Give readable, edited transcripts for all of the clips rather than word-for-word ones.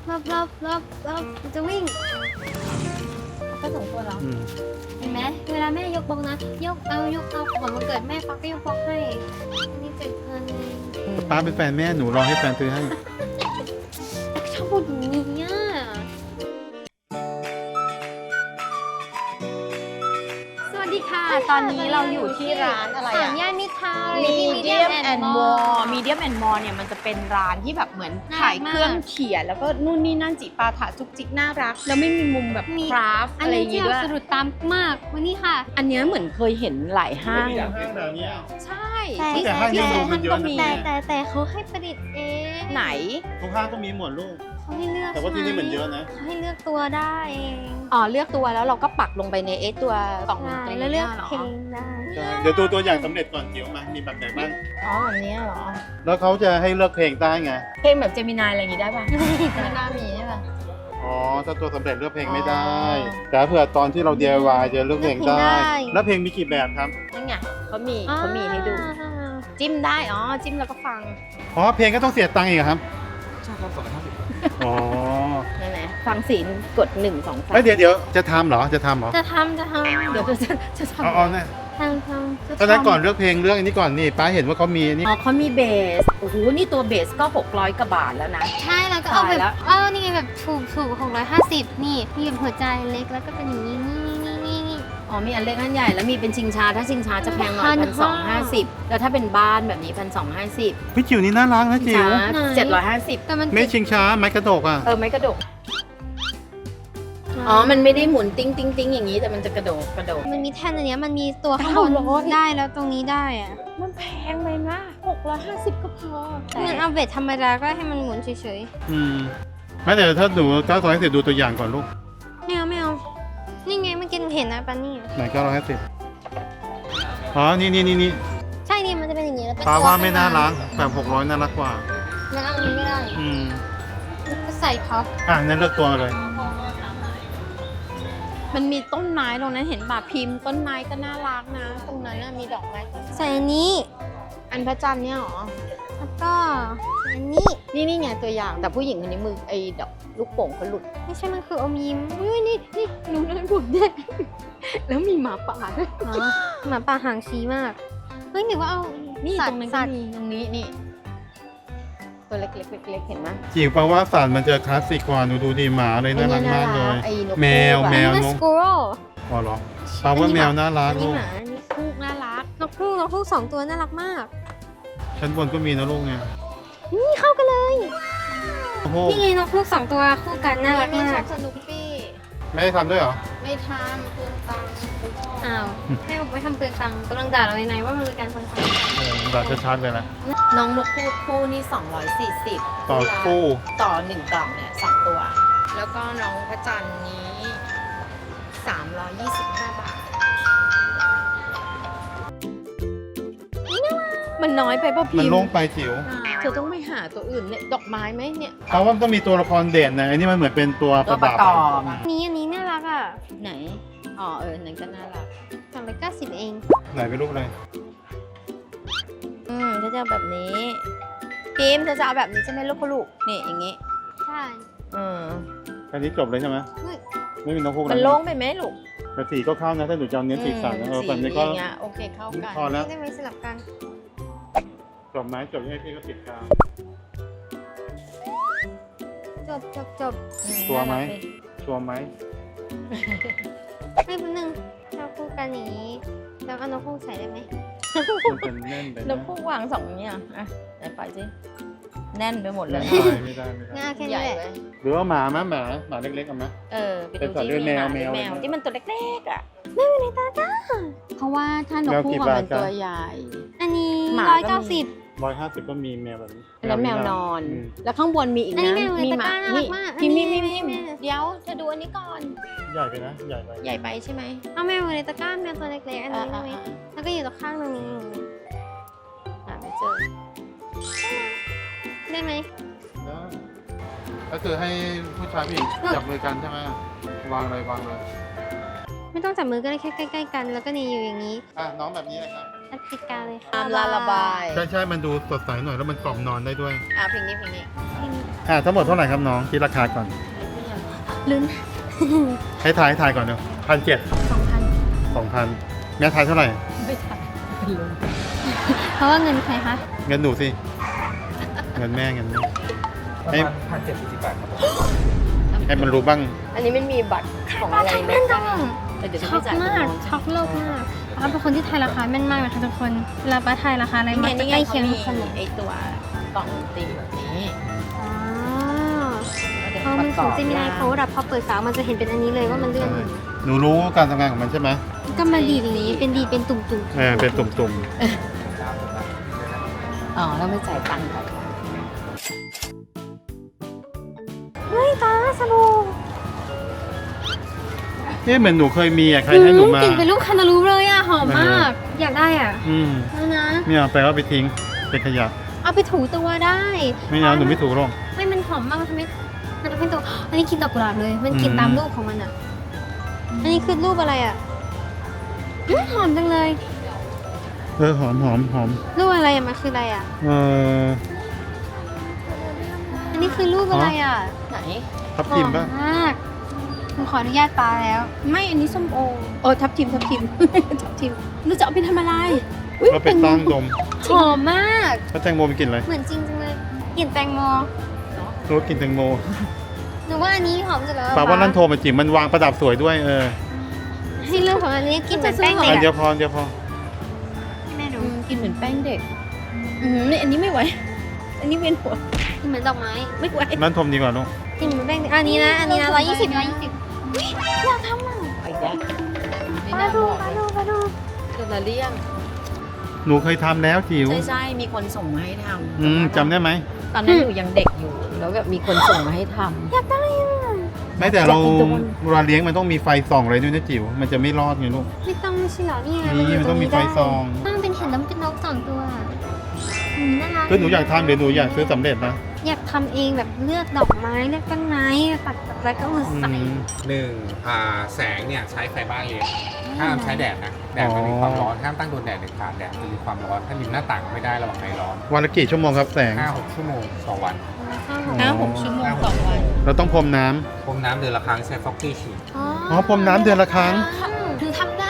รอบจะวิ่งก็สองตัวเหรอเห็นไหมเวลาแม่ยกบล็อกนะยกเอาของวันเกิดแม่ป๊อกก็ยกบล็อกให้นี่7,000เองป้าเป็นแฟนแม่หนูรอให้แฟนซื้อให้ชอบพูดอย่างนี้อ่ะสวัสดีค่ะตอนนี้เราอยู่ที่ร้านอะไรอ่ะย่านมิตรทาวน์ Medium and More Medium and More เนี่ยมันจะเป็นร้านที่แบบเหมือนขายเครื่องเขียนแล้วก็นู่นนี่นั่นจิปาถะจุกจิกน่ารักแล้วไม่มีมุมแบบคราฟอันอะไรอนี้ย่างที่งี้เราด้วยสะดุดตามมากวันนี้ค่ะอันเนี้ยเหมือนเคยเห็นหลายห้างห้างแบบนี้ใช่แต่ห้างยังดูมันเยอะนะแต่เขาให้ประดิษฐ์เองไหนทุกห้างก็มีหมดลูกเขาให้เลือกแต่ว่าที่นี่มันเยอะนะเขาให้เลือกตัวได้เองอ๋อเลือกตัวแล้วเราก็ปักลงไปในตัวกล่องใช่ตรงแล้วนี้เลือกเหรอเพลงได้เดี๋ยวตัวอย่างสำเร็จก่อนเดี๋ยวมา มีแบบไหนบ้างอ๋อแบบนี้เหรอแล้วเขาจะให้เลือกเพลงได้ไงเพลงแบบเจมินายอะไรอย่างงี้ได้ป่ะไม่น่ามีใช่ป่ะอ๋อ ถ้าตัวสำเร็จเลือกเพลงไม่ได้อ๋อแต่เผื่อตอนที่เรา DIY จะเลือกเพลงได้ แล้วเพลงมีกี่แบบครับนั่นไงเขามีให้ดู จิ้มได้อ๋อจิ้มแล้วก็ฟังอ๋อ เพลงก็ต้องเสียตังค์อีกเหรอครับใช่ครับ250 อ๋อนั่นแหละฟังศีลกด1 2 3 เฮ้ยเดี๋ยวจะทำเหรอ จะทำเหรอจะทำเดี๋ยวจะทำเอาเนี่ยจะตอนนั้นก่อนเลือกเพลงเลือกอันนี้ก่อนนี่ป้าเห็นว่าเขามีอันนี้อ๋อเขามีเบส โอ้โห นี่ตัวเบสก็600กว่าบาทแล้วนะใช่แล้วก็เอาแบตายแล้บวนี่ไงแบบถูก650นี่มีแบบหัวใจเล็กแล้วก็เป็นอย่างนี้นี่อ๋อมีอันเล็กอันใหญ่แล้วมีเป็นชิงช้า ถ้าชิงช้าจะแพงหน่อย 1,250 แล้วถ้าเป็นบ้านแบบนี้ 1,250 พี่จิ๋วนี่น่ารักนะชิงจิ๋วช้า750 แต่มันไม่ชิงช้าไม้กระดกอ่ะไม่กระดก อ๋อ มันไม่ได้หมุนติ้งติ้งติ้งอย่างนี้แต่มันจะกระโดดมันมีแท่นอันเนี้ยมันมีตัวข้างบน 900 ได้แล้วตรงนี้ได้อะมันแพงไปนะ650ก็พอมันเอาเบ็ดธรรมดาก็ให้มันหมุนเฉยอืมไม่แต่ถ้าหนู950ดูตัวอย่างก่อนลูกๆไม่เอานี่ไงเมื่อกี้เห็นนะปันนี่ไหน950อ๋อ นี่ใช่นี่มันจะเป็นอย่างนี้แล้วเป็นป้าตัวว่าไม่น่ารักแบบ600น่ารักกว่ามันเอาอันนี้ไม่ได้อืมก็ใส่พับงั้นเลือกตัวเลยมันมีต้นไม้ตรงนั้นเห็นป่ะพิมพ์ต้นไม้ก็น่ารักนะ ตรงนั้นน่ะมีดอกไม้ใส่อันนี้อันพระจันทร์เนี่ยเหรอแล้วก็อันนี้นี่ไงตัวอย่างแต่ผู้หญิงคนนี้มือไอ้ดอกลูกโป่งเขาหลุดไม่ใช่มันคืออมยิ้มอุ้ยนี่หนูได้บุญเด็กแล้วมีหมาป่าด้วยหมาป่าหางชี้มากเฮ้ยหรือว่าเอานี่สัตตรงว์นั้นสัก็ตว์มีตรงนี้นี่ตัวเล็กๆเล็กๆเห็นไหมจิ๋วแปลว่าสัตว์มันจะคลาสสิกกว่าหนูดูดีหมาเลยน่ารักมากเลยไอ้นกแมวคู่อะแมวอันนี้นมันกสกูโร่อ๋อเหรอแปลว่าแมวน่ารักอันลูนี้กหมาอันนี้คู่น่ารักนกฮูก2 ตัวน่ารักมากชั้นบนก็มีนะลูกเนี่ยนี่เข้ากันเลยโอ้โหนี่ไงนกฮูก2 ตัวคู่กันน่ารักมากสนุกปี้ไม่ได้ทำด้วยเหรอไม่ทำคืนตังค์อ้าวให้เอาไปทำเปลืองตังค์กำลังด่าเราในๆว่ามันเป็นการเปลืองตังค์แบบชัดๆเลยนะน้องนกคู่นี่240 ต่อคู่ต่อ1กล่องเนี่ย2ตัว แล้วก็น้องพระจันทร์นี้325 บาทมันน้อยไปป่ะพิมพ์มันโล่งไปจิ๋วเธอต้องไปหาตัวอื่นเนี่ยดอกไม้ไหมเนี่ยเพราะว่ามันต้องมีตัวละครเด่นนะอันนี้มันเหมือนเป็นตัวประดับอันนี้น่ารักอ่ะไหน อ๋อนั่นก็น่ารัก 390เองไหนเป็นรูปอะไรเธอจะเอาแบบนี้พิมพ์เธอจะเอาแบบนี้ใช่ไหมลูกนี่อย่างงี้ใช่อันนี้จบเลยใช่ไหมเฮ้ยไม่มีนกฮูกมันโล่งไปไหมลูกแต่สีก็เข้านะถ้าหนูจะเอาเน้นสีสันนะแบบนี้ก็อย่างเงี้ยโอเคเข้ากันพอแล้วได้ไหมสลับกันจบไหมจบให้พี่ก็ติดกาวจบชัวร์ไหม ชัวร์ไหมให้แป๊บนึงเราคู่กันอย่างนี้แล้วเอานกฮูกใส่ได้ไหมมันเป็นแน่นไปแล้วนะพวกวางสองเนี่ยอ่ะไหนไปสิแน่นไปหมดเลยไม่ได้ง่ายแค่ใหนี้ญ่แหละเลยหรือว่าหมาไหมหมาเล็กๆเอาไหมไปเป็นดูสัตว์ที่เลี้ยงมีแมวแมวอะไรนะที่มันตัวเล็กๆอ่ะไม่เป็นไรตาจ้าเพราะว่าถ้านกแมวคู่กี่อะบาทมันตัวจ๊ะใหญ่อันนี้หมาก็มี 190 150ก็มีแมวแบบนี้แล้วแมวนอนมแล้วข้างบนมีอีกอันนะนี้แมวมีในหตะมากร้าน่ารันี่กมากพิมพ์อันนี้พิมพ์แม่เดี๋ยวเธอดูอันนี้ก่อนใหญ่ไปนะใหญ่ไปใหญ่ไปใช่ไหมเอาแมวในตะกร้าแมวตัวเล็กๆอันนี้ได้ไหมแล้วก็อยู่ตรงข้างตรงนี้ไม่เจอได้ไหมก็คือให้ผู้ชายผู้หญิงจับมือกันใช่ไหมวางเลยไม่ต้องจับมือก็ได้แค่ใกล้ๆกันแล้วก็นี่อยู่อย่างนี้น้องแบบนี้เลยครับอัดติดกาวเลยค่ะตามลาระบายใช่มันดูสดใสหน่อยแล้วมันกล่อมนอนได้ด้วยเพลงนี้เพลงทั้งหมดเท่าไหร่ครับน้องคิดราคาก่อนลุ้นให้ทายก่อนเนาะ1,700 2,000 2,000แม่ทายเท่าไหร่ไม่ทันเป็นลมเพราะว่าเงินใครคะเงินหนูสิ เงินแม่ประให้มาณ1,740 บาทครับผมให้มันรู้บ้างอันนี้มันมีบัตรของอะไรไหมแม่นจังแต่เดี๋ยวจะช็อไม่กจ่ายมากช็อกโลกมากป้าเป็นคนที่ทายราคาแม่นมากนะคะทุกคน เวลาป้าทายราคาอะไรมันจะนี่ใกไงล้เขาเคียงมีทุกคนเลยไอตัวกล่องดนตรีแบบนี้อ๋อเพราะมันของเจมินายเขาดับพอเปิดฝามันจะเห็นเป็นอันนี้เลยว่ามันเลื่อนหนูรู้การทำงานของมันใช่ไหมก็มาดีดอย่างนี้เป็นดีดเป็นตุ่มเป็นตุ่มอ๋อแล้วไม่จ่ายตังค์ไปๆเฮ้ยตาสนุกเหมือนหนูเคยมีใครให้หนูมากลิ่นเป็นลูกคานาลูปเลยอ่ะหอมมาก อยากได้อ่ะอืมแล้วนะไม่เอาไปก็ไปทิ้งเป็นขยะเอาไปถูตัวได้ไม่เอาหนูไม่ถูกหรอกไม่มันหอมมากมันทำให้ตัวอันนี้กินดอกกุหลาบเลย มันกินอืมตามรูปของมันอ่ะ อันนี้คือรูปอะไรอ่ะหอมจังเลยหอมรูปอะไรอ่ะมันคืออะไรอ่ะ อันนี้คือรูปอะไรอ่ะไหนทับทิมป่ะหอมมากผมขออนุญาตปาแล้วไม่อันนี้ส้มโอทับทิม ทับทิมหนูจะเอาไปทำอะไรอุ๊ยก็ไปตั้งดมหอมมากแล้วแตงโมไปกินอะไรเหมือนจริงจังเลยกลิ่นแตงโมรู้กินแตงโมหนูว่าอันนี้หอมสุดแล้วปาว่านั่นโทรมาจิ๋มมันวางประดับสวยด้วยให้เรื่องของอันนี้กลิ่นเหมือนแป้งเด็กเดี๋ยอะวพอให้แม่ดูกินเหมือนแป้งเด็กนี่อันนี้ไม่ไหวอันนี้เวียนหัวกลิ่นเหมือนดอกไม้ไม่ไหวนั่นทมดีกว่าลูกกลิ่นเหมือนแป้งเด็กอันนี้นะ120อยากทำอ่ะไปแล้วมาดูเดลเลียมหนูเคยทำแล้วจิ๋วใช่มีคนส่งมาให้ทำจำได้ไหมตอนนั้นหนูยังเด็กอยู่แล้วแบบมีคนส่งมาให้ทำอยากได้อ่ะไม่แต่เราเวลาเลี้ยงมันต้องมีไฟส่องอะไรด้วยนะจิ๋วมันจะไม่รอดไงลูกไม่ต้องไม่ใช่เหรอนี่ไงนี่มันต้องมีไฟส่องมันเป็นเห็นแล้วมันเป็นนก2 ตัวน่ารักคือหนูอยากทำหรือหนูอยากซื้อสำเร็จนะอยากทำเองแบบเลือกดอกไม้เลือกต้นไม้ตัดแล้วก็มาใส่แสงเนี่ยใช้ไฟบ้านเลี้ยงห้ามใช้แดดนะ แดดมันมีความร้อน ห้ามตั้งโดนแดดเด็ดขาด แดดจะมีความร้อน ถ้าริมหน้าต่างไม่ได้ระวังไฟร้อนวันละกี่ชั่วโมงครับแสง 5-6 ชั่วโมงต่อวัน 5-6 ชั่วโมงต่อวันเราต้องพรมน้ำพรมน้ำเดือนละครั้งใช้ฟอกกี้ฉีดอ๋อพรมน้ำเดือนละครั้งถึงทำได้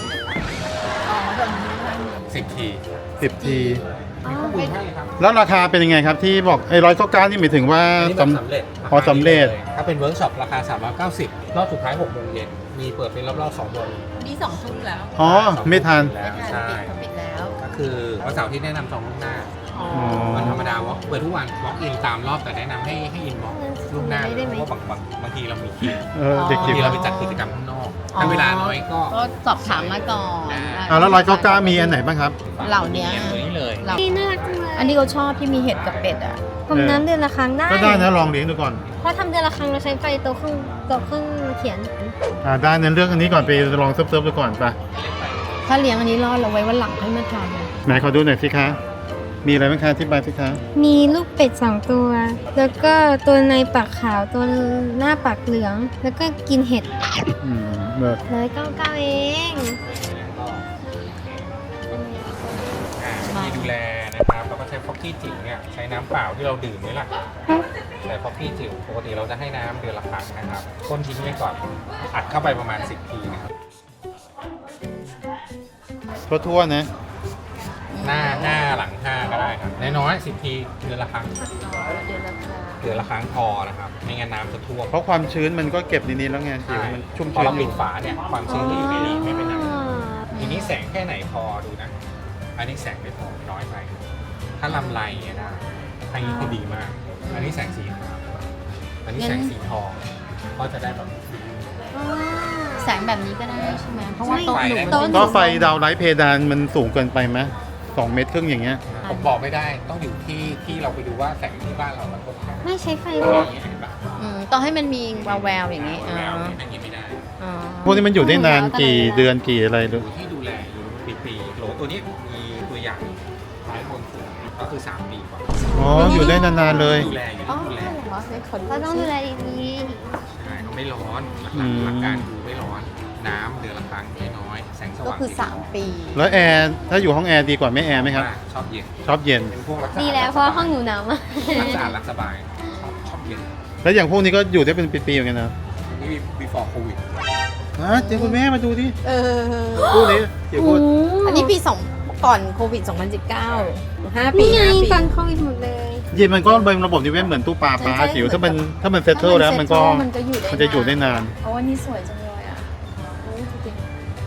10 ที 10 ทีมีข้อมูลให้ครับแล้วราคาเป็นยังไงครับที่บอกไอ้199นี่หมายถึงว่าอันนี้แบบสำเร็จอ๋อสำเร็จถ้าเป็นเวิร์กช็อปราคา 390 รอบสุดท้าย 6 โมงเย็น มีเปิดเป็นรอบๆ 2 โมงนี่2 ทุ่มแล้วอ๋อไม่ทันแล้วใช่ปิดแล้วก็คือวันเสาร์ที่แนะนำจองล่วงหน้าอ๋อวันธรรมดาวอล์กเปิดทุกวันวอล์กอินตามรอบแต่แนะนำให้อินบล็อกล่วงหน้าเลยเพราะว่าบางทีเรามีคิวเด็กบางจิ๋วทีเราไปจัดกิจกรรมข้างนอก ถ้าเวลาน้อยก็ก็สอบถามมาก่อนแล้ว199มีอันไหนบ้างครับเหล่านี้ตัวนี้เลยนี่น่ารักจังเลยอันนี้เขาชอบที่มีเห็ดกับเป็ดอ่ะผมน้ำเดือนละครั้งได้ก็ได้นะลองเลี้ยงดูก่อนเพราะทำเดือนละครั้งเราใช้ไฟตัวเครื่องเขียนได้นั้นเลือกอันนี้ก่อนไปลองเซิร์ฟๆดูก่อนไปถ้าเลี้ยงอันนี้รอดเราไว้วันหลังให้มาทไหนขอดูหน่อยสิคะ มีอะไรบ้างคะอธิบายสิคะมีลูกเป็ด2 ตัว แล้วก็ตัวในปากขาวตัวหน้าปากเหลือง แล้วก็กินเห็ดเลิศ 199เองมีดูแลนะครับแล้วก็ใช้ฟอกกี้จิ๋วเนี่ยใช้น้ำเปล่าที่เราดื่มนี่แหละแต่ฟอกกี้จิ๋วปกติเราจะให้น้ำเดือนละครั้งนะครับก้นทิ้งไว้ก่อนอัดเข้าไปประมาณ 10 ทีนะครับทั่วๆนะหน้า5หลัง5ก็ได้ครับน้อยๆ10 ทีเดือนละครั้ง เดือนละครั้งพอนะครับไม่งั้นน้ำจะท่วมเพราะความชื้นมันก็เก็บในนี้แล้วไงจิ๋วมันชุ่มพอชื้นเราอปิยู่ดฝาเนี่ยความชื้นที่อยู่ในนี้ไม่เป็นไรทีนี้แสงแค่ไหนพอดูนะ อันนี้แสงไม่พอน้อยไปถ้าลำไรเนี่ยนะอันนี้คือดีมาก อันนี้แสงสีขาวอันนี้แสงสีทองก็จะได้แบบำแสงแบบนี้ก็ได้ใช่ไหมเพราะว่าโต๊ะหนูโต๊ะหนูก็ไฟดาวไลท์เพดานมันสูงเกินไปไหม2 เมตรครึ่งอย่างเงี้ยผมบอกไม่ได้ต้องอยู่ที่เราไปดูว่าแสงที่บ้านเรามันครบแค่ไหนไม่ใช้ไฟเเลยห็นปะต้องให้มันมีแววๆอย่างนี้แววๆอย่างนี้ไม่ได้พวกนี้มันอยู่ได้นานกี่เดือนกี่อะไรหรืออยู่ที่ดูแลอยู่ปีๆโหลตัวนี้มีตัวอย่างท้ายบนสุดก็คือ 3 ปีกว่าอ๋อ อยู่ได้นานๆเลยดูแลอยู่อ๋อที่ดูแลเหรอในขนเราต้องดูแลดีใช่เขาไม่ร้อนหลักการคือไม่ร้อนน้ำเดือนละครั้งน้อยๆแสงสก็ว่างคือ3 ปีแล้วแอร์ถ้าอยู่ห้องแอร์ดีกว่าไม่แอร์ไหมครับชอบเย็นชอบเย็นเป็นพวกรักษาๆดีแล้วเพราะว่าห้องหนูหนาวมากรักษารักสบายแล้วอย่างพวกนี้ก็อยู่ได้เป็นปีๆเหมือนกันนะนี่ before covid เดี๋ยวคุณแม่มาดูดิเออพูดนี้เดี๋ยวพูดอันนี้ปี2ก่อนโควิด 2019 5 ปีนี่ไง 5ปีตอนโควิดหมดเลยจริงมันก็เป็นระบบนิเวศเหมือนตู้ปลาจิ๋วถ้ามันเซตเทิลแล้วมันก็มันจะอยู่ได้มันจะอยู่ได้นานโอ้อันนี้สวยจังเลยอ่ะโอ้ยจริง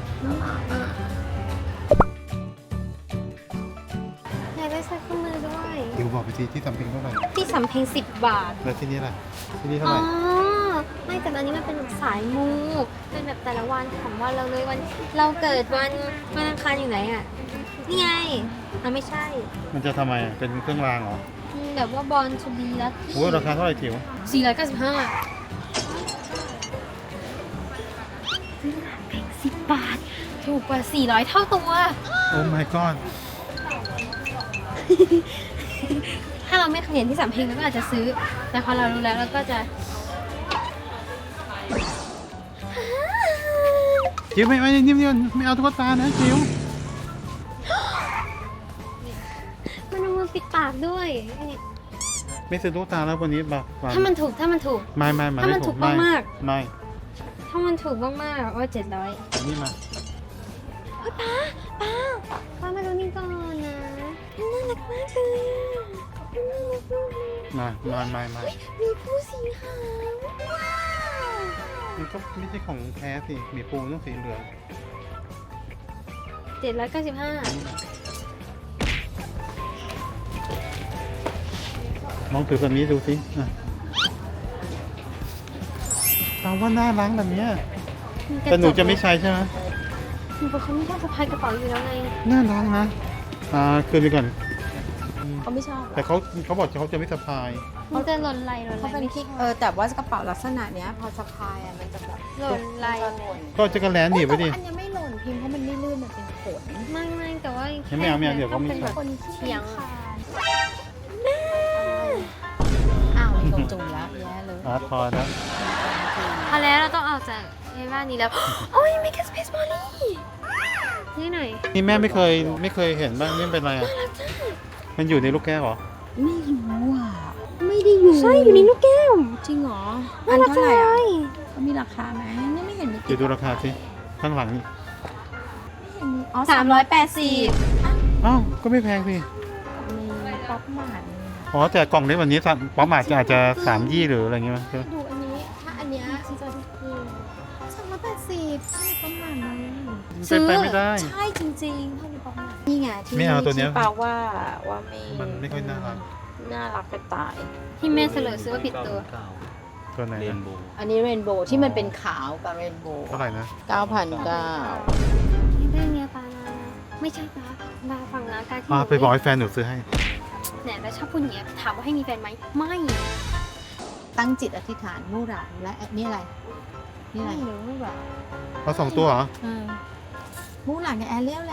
อยากได้ใส่ข้อมือด้วยเดี๋ยวบอกไปทีที่สำเพ็งเท่าไหร่ที่สำเพ็ง10 บาทแล้วที่นี่ล่ะที่นี่เท่าอ๋ไหอร่ไม่แต่อันนี้มันเป็นแบบสายมู เป็นแบบแต่ละวันของวันเราเลยวัน เราเกิดวันอังคารอยู่ไหนอ่ะ นี่ไงไม่ใช่มันจะทำไมอะเป็นเครื่องรางเหรอแบบว่าบอลชูบีแล้วโอ้ยราคาเท่าไหร่จิ๋ว 49510 บาท ถูกกว่า 400 เท่าตัวโอ้ my god ถ้าเราไม่เคยเห็นที่สำเพ็งเราก็อาจจะซื้อ แต่พอเรารู้แล้วเราก็จะจิ๋วไม่นิ่มๆไม่เอาตุ๊กตานะจิ๋วมันเอามือปิดปากด้วยไม่ซื้อตุ๊กตาแล้ววันนี้แบบถ้ามันถูกไม่ถ้ามันถูกมากไม่ถ้ามันถูกมากๆว่า700 อันนี้มาเฮ้ยป้ามาดูนี่ก่อนนะน่ารักมากเลยน่ารักมากเลยมามีผู้สีขาวว้าวมันก็ไม่ใช่ของแท้สิมีปูต้องสีเหลือง 795 ลองถือแบบนี้ดูสิอ่ะเราว่าน่ารักแบบเนี้ยแต่หนูจะไม่ใช้ใช่ไหมหนูเป็นคนไม่ชอบสะพายกระเป๋าอยู่แล้วไงน่ารักนะคืนไปก่อนๆเขาไม่ชอบแต่เขาบอกเขาจะไม่สะพายมันจะหล่นไหลเขาเป็นที่แต่ว่ากระเป๋าลักษณะเนี้ยพอสะพายอ่ะมันจะแบบหล่นไหลมันจะหล่นก็จะกระแลนหนีบไว้ดิอันนี้ไม่หล่นพิมพ์เพราะมันไม่ลื่นมันเป็นขนไม่แต่ว่าไม่เอาเดี๋ยวเขาไม่เป็นใช่แบบคนที่เฉียงขาดอ้าวลงจุ่มแล้วแย่เลยพอแล้วพอแล้วเราต้องออกจากในบ้านนี้แล้ว โอ้ย make a space Molly นี่หน่อยนี่แม่ไม่เคยเห็นบ้างนี่เป็นอะไรอ่ะมันอยู่ในลูกแก้วเหรอไม่รู้อ่ะไม่ได้อยู่ใช่อยู่ในลูกแก้วจริงเหรอน่ารักเท่าจังไหร่เลอ่ะยเขามีราคาไหมนี่ไม่เห็นมีเดี๋ยวดูราคาสิข้างหลังนี่อ๋อ 380 อ้าวก็ไม่แพงสิมีป๊อปหมาดอ๋อแต่กล่องเล็กวันนี้ป๊อปมาอาจจะ3 ยี่หรืออะไรเงี้ยมั้งใช่ไหมดูอันนี้ถ้าอันเนี้ยซีจอที่คือ380ถ้ามีป๊อปหมาดไหมเป็นไปไม่ได้ใช่จริงๆถ้ามีป๊อปหมาดนี่ไงที่ไม่เอาตัวเนี้ยที่ปาว่าไม่มันไม่ค่อยน่ารักน่ารักกระตายที่แม่เสลอซื้อว่าผิดตัวตัวไหนเรนะนโบว์อันนี้เรนโบว์ที่มันเป็นขาวกับเรนโบว์เท่าไหร่นะ 9,900 เรื่องเนี้ยปานะไม่ใช่ปาฟังนะการที่ไปบอกให้แฟนหนูซื้อให้เนี่ยแล้วชอบพูดอย่างเงี้ยถามว่าให้มีแฟนไหมไม่ตั้งจิตอธิษฐานมู่หลานและนี่อะไรนี่อะไรไม่รู้แบบเอา2 ตัวเหรอมู่หลานกับแอเรียลแล้ว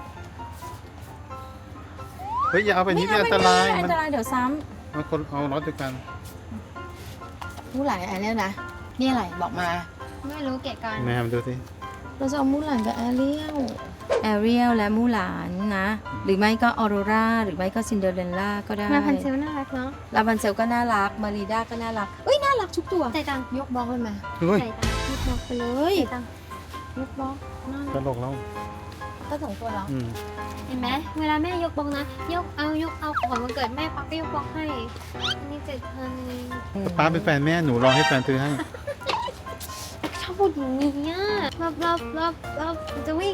เฮ้ยอย่าเอาไปนี้ที่อันตรายอัมันนตรายเดี๋ยวซ้มันคนเอาล็อตเดียวกันำมู่หลานกับแอเรียลนะนี่อะไรบอกมาไม่รู้เกะกันแม่มาดูสิเราจะเอามู่หลานกับแอเรียลและมู่หลานนะ หรือไม่ก็ออโรราหรือไม่ก็ซินเดอเรลล่าก็ได้มาพันเซลน่ารักเนาะลาบันเซลก็น่ารักมารีด้าก็น่ารักเอ้ยน่ารักทุกตัวใจตังยกบล็อกเลยมาเฮ้ยใจตังยกบล็อกไปเลยใจตังยกบล็อกน่าตรักลกแล้วก็2ตัวแล้วเห็นไหมเวลาแม่ยกบล็อกนะ ยกเอาของวันเกิดแม่ปักก็ยกบล็อกให้อันนี้7,000เองป้าเป็นแฟนแม่หนูรอให้แฟนซื้อให้ชอบพูดอย่างนี้อ่ะรอบจะวิ่ง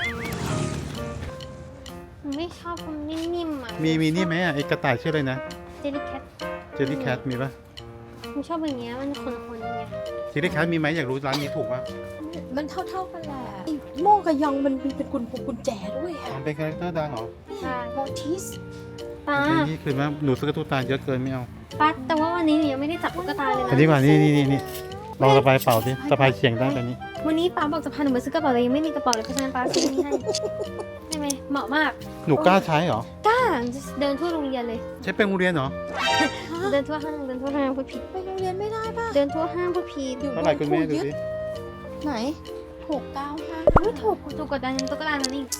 หนูไม่ชอบคนนิ่มๆอ่ะมีนี่ไหมอ่ะไอ้กระต่ายชื่ออะไรนะเจลลี่แคทเจลลี่แคทมีปะหนูชอบอย่างเงี้ยมันคนๆไงเจลลี่แคทมีไหมอยากรู้ร้านนี้ถูกปะมันเท่ากันแหละไอ้โมกับยองมันมีเป็นกุญแจด้วยอะมันเป็นคาแรคเตอร์ดังเหรอใช่โมทิสป้านี่คือว่าหนูซื้อกระตุ้ตาเยอะเกินไม่เอาป้าแต่ว่าวันนี้หนูยังไม่ได้จับตุ๊กตาเลยนะอันนี้ก่อนนี่ลองสะพายเป่าสิสะพายเฉียงได้แบบนี้วันนี้ป้าบอกจะพาหนูมาซื้อกระเป๋าแต่ยังไม่มีกระเป๋าเลยเพราะฉะนั้นป้าซื้อนี่ให้ได้ไหมเหมาะมากหนูกล้าใช้เหรอเดินทั่วโรงเรียนเลยใช้เป็นโรงเรียนเหรอเดินทั่วห้างพูดผิดไปโรงเรียนไม่ได้ป่ะเดินทั่วห้างพูดผิดเท่าไหร่คุณแม่ดูสิไหน695 ไม่ถูกกดดันยังตุ๊กตานั่นอีก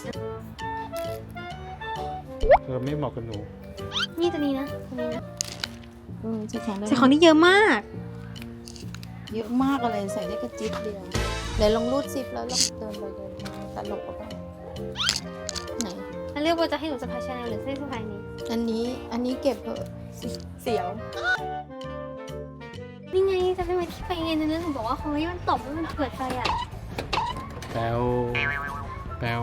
ไม่เหมาะกับหนูนี่ตัวนี้นะตัวนี้นะจะแข็งได้ใส่ของนี่เยอะมากเยอะมากอะไรใส่ได้กระจิ๊บเดียวเดี๋ยวลองรูดซิปแล้วลองเดินไปเดินมาตลกปะบ้างไหนแล้วเรียกว่าจะให้หนูสะพายชาแนลหรือให้สะพายนี้อันนี้เก็บเถอะเสียวนี่ไงจะเป็นวันที่ไปเรียนนะหนูบอกว่าเฮ้ยมันตบแล้วมันเกิดไฟอ่ะแปลวแปลว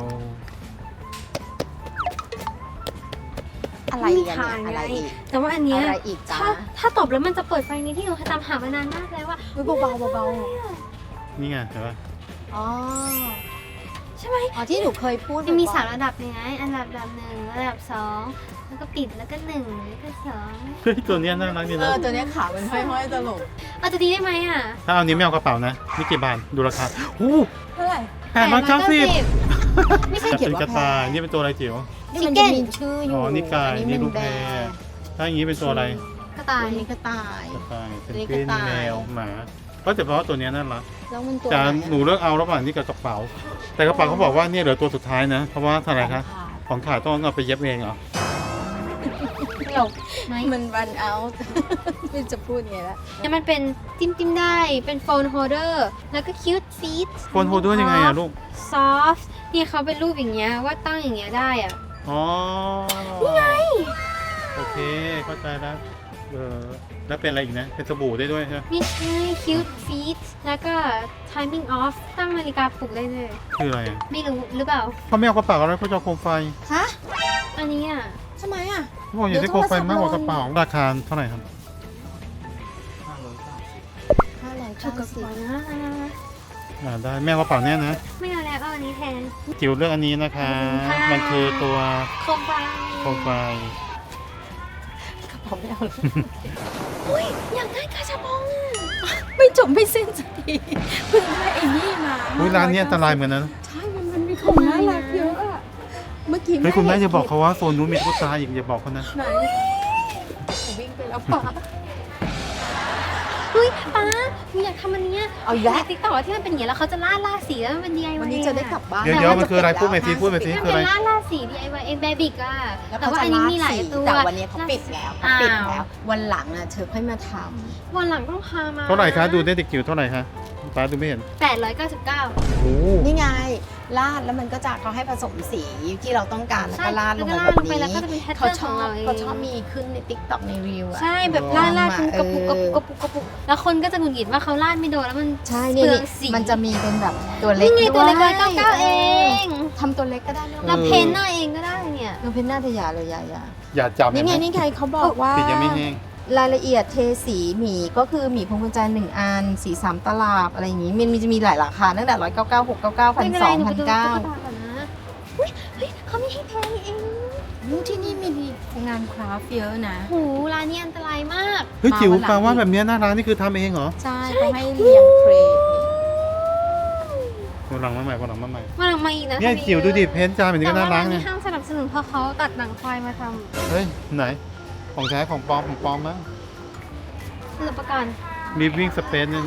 อะไรม่มีกันทางเนี่ยอะไรอีกแต่ว่าอันเนี้ยอะไรอีกจ้าถ้าตบแล้วมันจะเปิดไฟนี้ที่หนูตามหามานานมากแล้วว่าเบาๆเบานี่ไงเห็นปะๆอ๋อใช่ไหมอ๋อที่หนูเคยพูดมันมีบ่อยๆสามระดับไงอันดับหนึ่งระดับสองแล้วก็ปิดแล้วก็หนึ่งแล้วก็สองเฮ้ยตัวเนี้ยน่ารักดีนะตัวเนี้ยขาเป็นห้อยๆตลกเอาจะดีได้ไหมอ่ะถ้าเอานี้ไม่เอากระเป๋านะนี่กี่บาทดูราคาอู้เท่าไหร่ 890 ไม่ใช่แต่เขียเป็น นว่ากระต่ายนี่เป็นตัวอะไรจิ๋วนี่มันจะมีชื่ออยู่อ๋อนี่ไก่นี่ลูกแพรถ้าอย่างนี้เป็นตัวอะไรกระต่ายอันนี้กระต่ายกระต่ายเป็นนี่กวินกระต่ายแมวหมาก็แต่เพราะว่าตัวเนี้ยน่ารักแล้วมันตัวแต่ไหนหนูเลือกเอาระหว่างนี้กับกระเป๋า แต่กระเป๋าเขาบอกว่าเนี่ยเหลือตัวสุดท้ายนะ เพราะว่าเท่าไหร่คะของขาดต้องเอาไปเย็บเองเหรอตลกไหมมันรันเอา ไม่จะพูดไงละเนี่ยมันเป็นจิ้มได้เป็นโฟนโฮลเดอร์แล้วก็คิวต์ฟีทโฟนโฮลเดอร์ยังไงอะลูกซอฟต์เนี่ยเขาเป็นรูปอย่างเงี้ยว่าตั้งอย่างเงี้ยได้อ่ะอ๋อ นี่ไง โอเค เข้าใจแล้ว แล้วเป็นอะไรอีกนะ เป็นสบู่ได้ด้วยใช่ไหมไม่ใช่คิวต์ฟีทแล้วก็ timing off ตั้งนาฬิกาปลุกได้เลยคืออะไรอะไม่รู้หรือเปล่าเขาไม่เอากระเป๋าแล้วเขาจะเอาโคมไฟฮะอันนี้อ่ะทำไมอ่ะเขาบอกอยากได้โคมไฟมากกว่ากระเป๋า ราคาเท่าไหร่ครับถูกกับ 590 หัวนะได้แม่เอากระเป๋าเนี้ยนะไม่เอาแล้วเอาอันนี้แทนจิ๋วเลือกอันนี้นะคะค่ะมันคือตัวโคมไฟโคมไฟผมไม่เอาเลยอุ้ยอยากได้กระชับปองอ่ะไม่จบไม่สิ้นสักทีเพิ่งได้ไอ้นี่มาอุ้ยร้านนี้อันตรายเหมือนกันนะใช่มันมีของน่ารักเยอะอะเมื่อกี้เฮ้ยคุณแม่อย่าบอกเขาว่าโซนนู้นมีตุ๊กตาอีกอย่าบอกเขานะไหนวิ่งไปแล้วป่ะเฮ้ยป้าหนูอยากทำอันเนี้ยเอาอีกแล้วในติ๊กต็อกที่มันเป็นอย่างนี้แล้วเขาจะล่าสีแล้วมันเป็น DIY วันนี้จะได้กลับบ้านเดี๋ยวมันคืออะไรพูดไปสิพูดไปสิมันคือเป็อะไรนล่าสี DIY เองแบบิกอ่ะแล้วแต่เขาว่าจะอันนี้ลาดมีหลายสีตัวแต่วันนี้เขาปิดแล้วเขาปิดแล้ว วันหลังอ่ะเธอค่อยมาทวันหลังต้องพามาเท่าไหร่คะดูได้เด็กจิ๋วเท่าไหร่คะป้าดูไม่เห็น 899 โอ้ำนี่ไงลาดแล้วมันก็จะเขาให้ผสมสีที่เราต้องการแล้วใช่ก็ลาดลงแล้วมาก็แบบลงไปนี้แล้วก็จะเป็นแพทเขาเทิร์นชขอองบเราเองเขาชอบมีขึ้นในติ๊กต็อกในรีวอะใช่แบบลาดเป็นกระปุกกระปุกกระปุกกระปุกแล้วคนก็จะหงุดหงิดว่าเขาลาดไม่โดนแล้วมันใช่เปลืนี่องสีมันจะมีเป็นแบบตัวเล็กนี่ไงตัวเล็กด้วย 199เองทำตัวเล็กก็ได้นะเราเพ้นหน้าเองก็ได้เนี่ยเราเพ้นหน้าทะยาเลยยาอย่าจับนี่ไงเห็นไหมนี่ไงเขาบอกว่าสียังไม่แห้งรายละเอียดเทสีหมีก็คือหมีพวงกุญแจ1อันสี3ตลับอะไรอย่างงี้มันจะมีหลายราคาตั้งแต่199 699 ไม่เป็นไรหนูไปดูตุ๊กตา 1,200 ก่อนนะเฮ้ยเขาไม่ให้แพงเอง 1,900ที่นี่มีงานคราฟต์เยอะนะโหร้านนี้อันตรายมากเฮ้ยจิ๋วมาวันหลังแปลว่าแบบเนี้ยหน้าร้านนี่คือทำเองเหรอใช่เขาให้เรียงเครดวันหลังมาใหม่วันหลังมาใหม่มาหลังมาอีกนะเนี่ยทำจิ๋วดูดิเพ้นท์จานแบบนี้แต่ก็ว่าน่ารัร้าก นเนี่นี้ยห้ามสนับสนุนเพราะเขาตัดหนังควายมาทเฮ้ยไหนของแท้ของปลอมของปลอมมั้งำรับประกันมีวิ่งสเปซเนี่ยนะ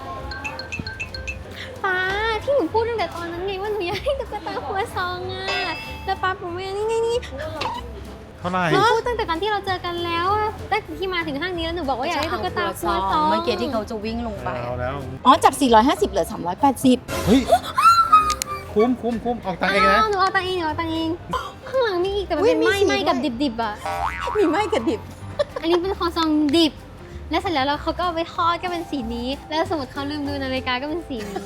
ป้าที่หนูพูดตั้งแต่ตอนนั้นไงว่าหนูอยากให้ตุ๊กตาหัวซองอ่ะแล้วป้าผมว่านี่ไงนี่เท่าไหร่หนูพูดตั้งแต่ตอนที่เราเจอกันแล้วอะตั้งแต่ที่มาถึงห้างนี้แล้วหนูบอกว่าอยากให้ตุ๊กตาหัวซองเมื่อกี้ที่เขาจะวิ่งลงไปเอาแล้วอ๋อจาก 450เหลือ 380 เฮ้ยคุ้มออกตังค์เองนะหนูเอาตังค์เองข้างหลังมีอีกแต่มันอุ๊ยเป็นมีไหม้สีไหม้กับด้วยดิบๆอ่ะมีไม้กระดิบอันนี้เป็นคอซองดิบ แล้วเสร็จแล้วเขาก็เอาไปทอดก็เป็นสีนี้ แล้วสมมติเขาลืมดูนาฬิกาก็เป็นสีนี้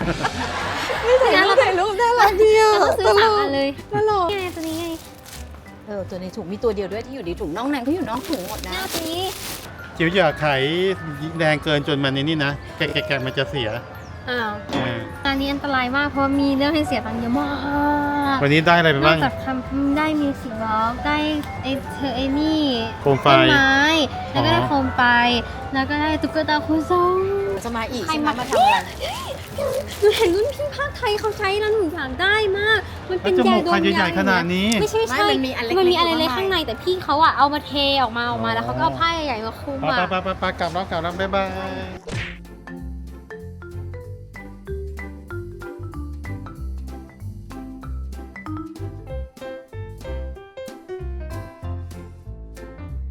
ถ่ายรูปน่ารักเดียวเราก็ซื้อสามอันเลยตลกนี่ไงตัวนี้ไงตัวในถุงมีตัวเดียวด้วยที่อยู่ในถุงน้องแนนเขาอยู่นอกถุงหมดนะนี่เอาตัวนี้จิ๋วอย่าไขแรงเกินจนมันในนี่นะแกะมันจะเสียอ้าวเออร้านนี้อันตรายมากเพราะมีเรื่องให้เสียตังค์เยอะมากวันนี้ได้อะไรไปนอบ้าก งจากทำได้มิวสิกบล็อกได้ไอ้นี่โคมไฟต้นไม้ แล้วก็ได้อ๋อโคมไฟ แล้วก็ได้ตุ๊กตาโคซองจะมาอีกใครใช่ไหมมามาทำอะไรหนูเห็นรุ่นพี่ภาคไทยเขาใช้แล้วหนูอยากได้มาก มันเป็นแล้วจยามูกดใครมใหญ่ๆขนาดนี้ไม่ใช่ไม่มันมีอันเล็กๆมันมีอะไรเล็กอยู่ข้าข้าง งในในแต่พี่เขาอะเอามาเทออกมาแล้วเขาก็เอาผ้าใหญ่ๆมาคลุมไปอะไปกลับแล้วบ๊ายบาย